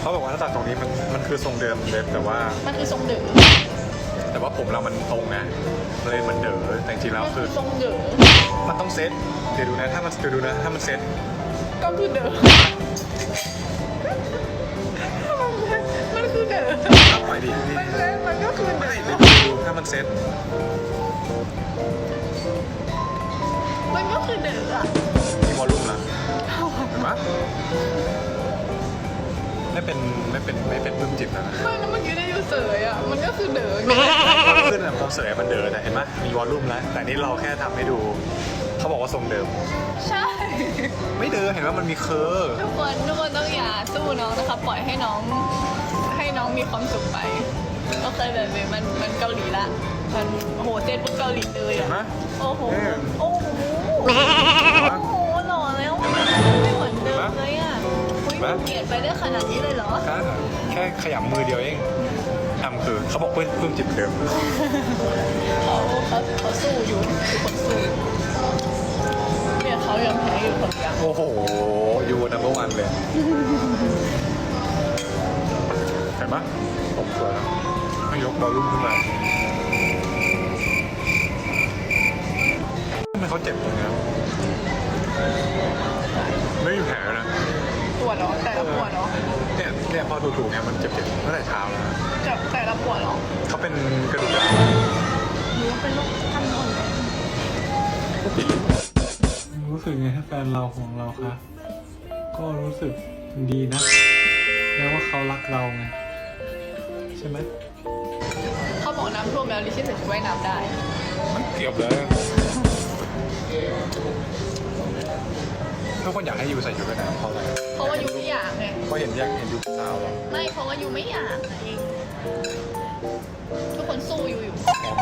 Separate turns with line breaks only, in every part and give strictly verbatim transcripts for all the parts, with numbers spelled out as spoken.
เขาบอกว่าถ้าตัดตรงนี้มันมันคือทรงเดิมเล็บแต่ว่า
มันคือทรงเด๋อ
แต่ว่าผมเรามันตรงไงเลยมันเด๋อแต่จริงๆแล้ว
มัน
คื
คือ อทรงเด๋อ
มันต้องเซตเดี๋ยวดูนะถ้ามันเดี๋ยวดูนะถ้ามันเซต
ก็คือเด๋อมันคือเด๋อ
เอาไปดินี่
มันเลยมันก็คือเด๋
ไม่
อ
เดี๋ยวดูถ้ามันเซต
มันก็คือเด๋ออะ
มีวอลลุ่มนะเห็นปะไม่เป็นไม่เป็นไม่เป็นปลื้มจิตแล้วนะ
ไม่แล้วเมื่อกี้ได้อยู่เสยอ่ะมันก็คือเด๋อไง
ขึ้นแบบตรงเสยมันเดินนะเห็นไหมมีวอลลุ่มแล้วแต่นี่เราแค่ทำให้ดูเขาบอกว่าทรงเดิม
ใช่
ไม่เดินเห็นว่ามันมีเคอร์
ทุกคนทุกคนต้องอย่าสู้น้องนะคะปล่อยให้น้องให้น้องมีความสุขไปก็เคยแบบนี้มันมันเกาหลีละมันโอ้โหเต้นปุ๊บเกาหลีเลยอ่ะโอ้โหโอ้โหโอ้โหหล่อแล้วไม่เหมือนเดิมเลยอ่ะคุยเปลี่ยนไปได้ขนาดนี้เลยเหรอ
แค่ขยำมือเดียวเองทำคือเขาบอกเพื่อนปลื้มจิตเดิม
เขาเขาเขาสู้อยู่ทุกคนสู้เนี่ยเขายังแพ้อยู่คนเดียว
โอ้โหยูนัมเบอร์วันเลยเห็นปะผมสวยแล้วให้ยกบอลลุ่มขึ้นมาทำไมเขาเจ็บตรงนี้ไม่มีแผลนะ
ปวดเหรอแต่ละปวดเหรอ
เนี่ยเนี่ยพอถูกๆเนี่ยมันเจ็บๆตั้งแต่เช้าแล้วนะ
จะแต่ละปวดเหรอ
เขาเป็นกระดูกร้าว
หรือว่าเป็นโรคขั้นต้นเลย
รู้สึกไงถ้าแฟนเราของเราคะก็รู้สึกดีนะแล้วว่าเขารักเราไงใช่ไหม
เขาบอกน้ำท่วมแล้วลิชี่ใส่ชุดว่ายน้ำได้
มันเกือบเลยทุกคนอยากให้ยูใส่ชุดว่ายน้ำเพราะอะไร
เพราะว่ายูไม่อยากไง
เพราะเห็นอยากเห็นยูสาวเหรอ
ไม่เพราะว่ายูไม่อยากไงทุกคนสู้ยูอยู่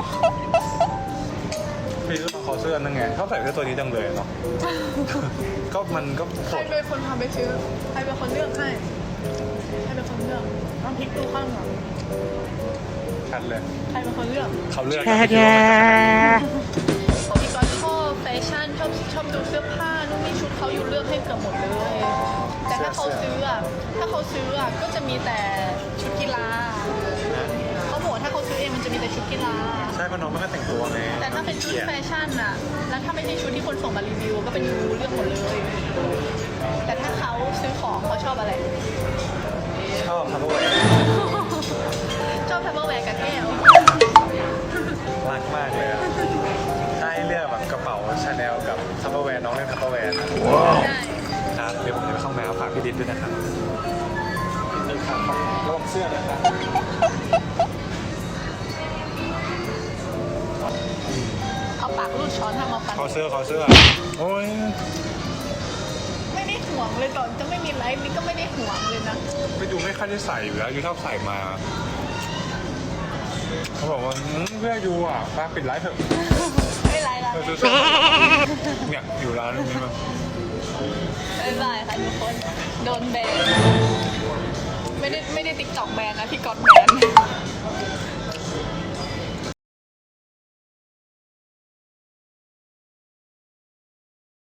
พี่ก็ต้องขอเสื้อนั่งไงเขาใส่เสื้อตัวนี้จังเลยเนาะ ก็มันก็
ใค
ส
ร
ด
เป็นคนพาไปซื้อใครเป็นคนเลือกให้ใครเป็นคนเลือกต้องพลิกดูข้างหลัง
ชัดเลย
ใครเป็นคนเลือก
เขาเลือกกันไม่คิดว่ามันจะขนาดนี้
ของพี่ก๊อตชอบแฟชั่นชอบชอบดูเสื้อผ้านู่นนี่ชุดเขาอยู่เลือกให้เกือบหมดเลย แต่ถ้าเขาซื้ออ่ะถ้าเขาซื้ออ่ะก็จะมีแต่ชุดกีฬาเขาบอกว่าถ้าเขาซื้อเองมันจะมีแต่ชุดกีฬา
ใช่เพราะน้องไม่ค่อยแต่งตัวไง
แต่ถ้าเป็นชุดแฟชั่นอ่ะ แล้วถ้าไม่ใช่ชุดที่คนส่งมารีวิวก็เป็นยูเลือกหมดเลย แต่ถ้าเขาซื้อของเขาชอบอะไร
ชอบทัพเปอร์แวร์
ชอบทัพเปอร์แวร์กับแก้ว
รักมากเลยอะถ้าให้เลือกแบบกระเป๋าชาแนลกับทัพเปอร์แวร์น้องเลือกทัพเปอร์แวร์นะ
ใช่
ครับเดี๋ยวผมจะไปเข้าห้องน้ำฝากพี่ดินด้วยนะครับนี่ครับระวังเสื้อนะครับ
เอาปากรูดช้อนทำมาปัน
ขอเสื้อขอเสื้อโอ้ย
ไม่ได้ห่วงเลยตอนจะไม่มีไลฟ์นี่ก็ไม่ได้ห่วงเลยนะ
ไปดูไม่ค่อยได้ใส่อยู่แล้วยูชอบใส่มาเขาบอกว่าอืมเพื่อยูอ่ะป้าปิดไลฟ์เถอะ
ไม่ไลฟ์แล้ว
เออซื้อเสื้อเนี่ยอยู่ร้านนี้มา
บ๊ายบายค่ะทุกคน โดนแบน ไม่ได้ไม่ได้ติ๊กต็อกแบนนะพี่ก๊อตแบ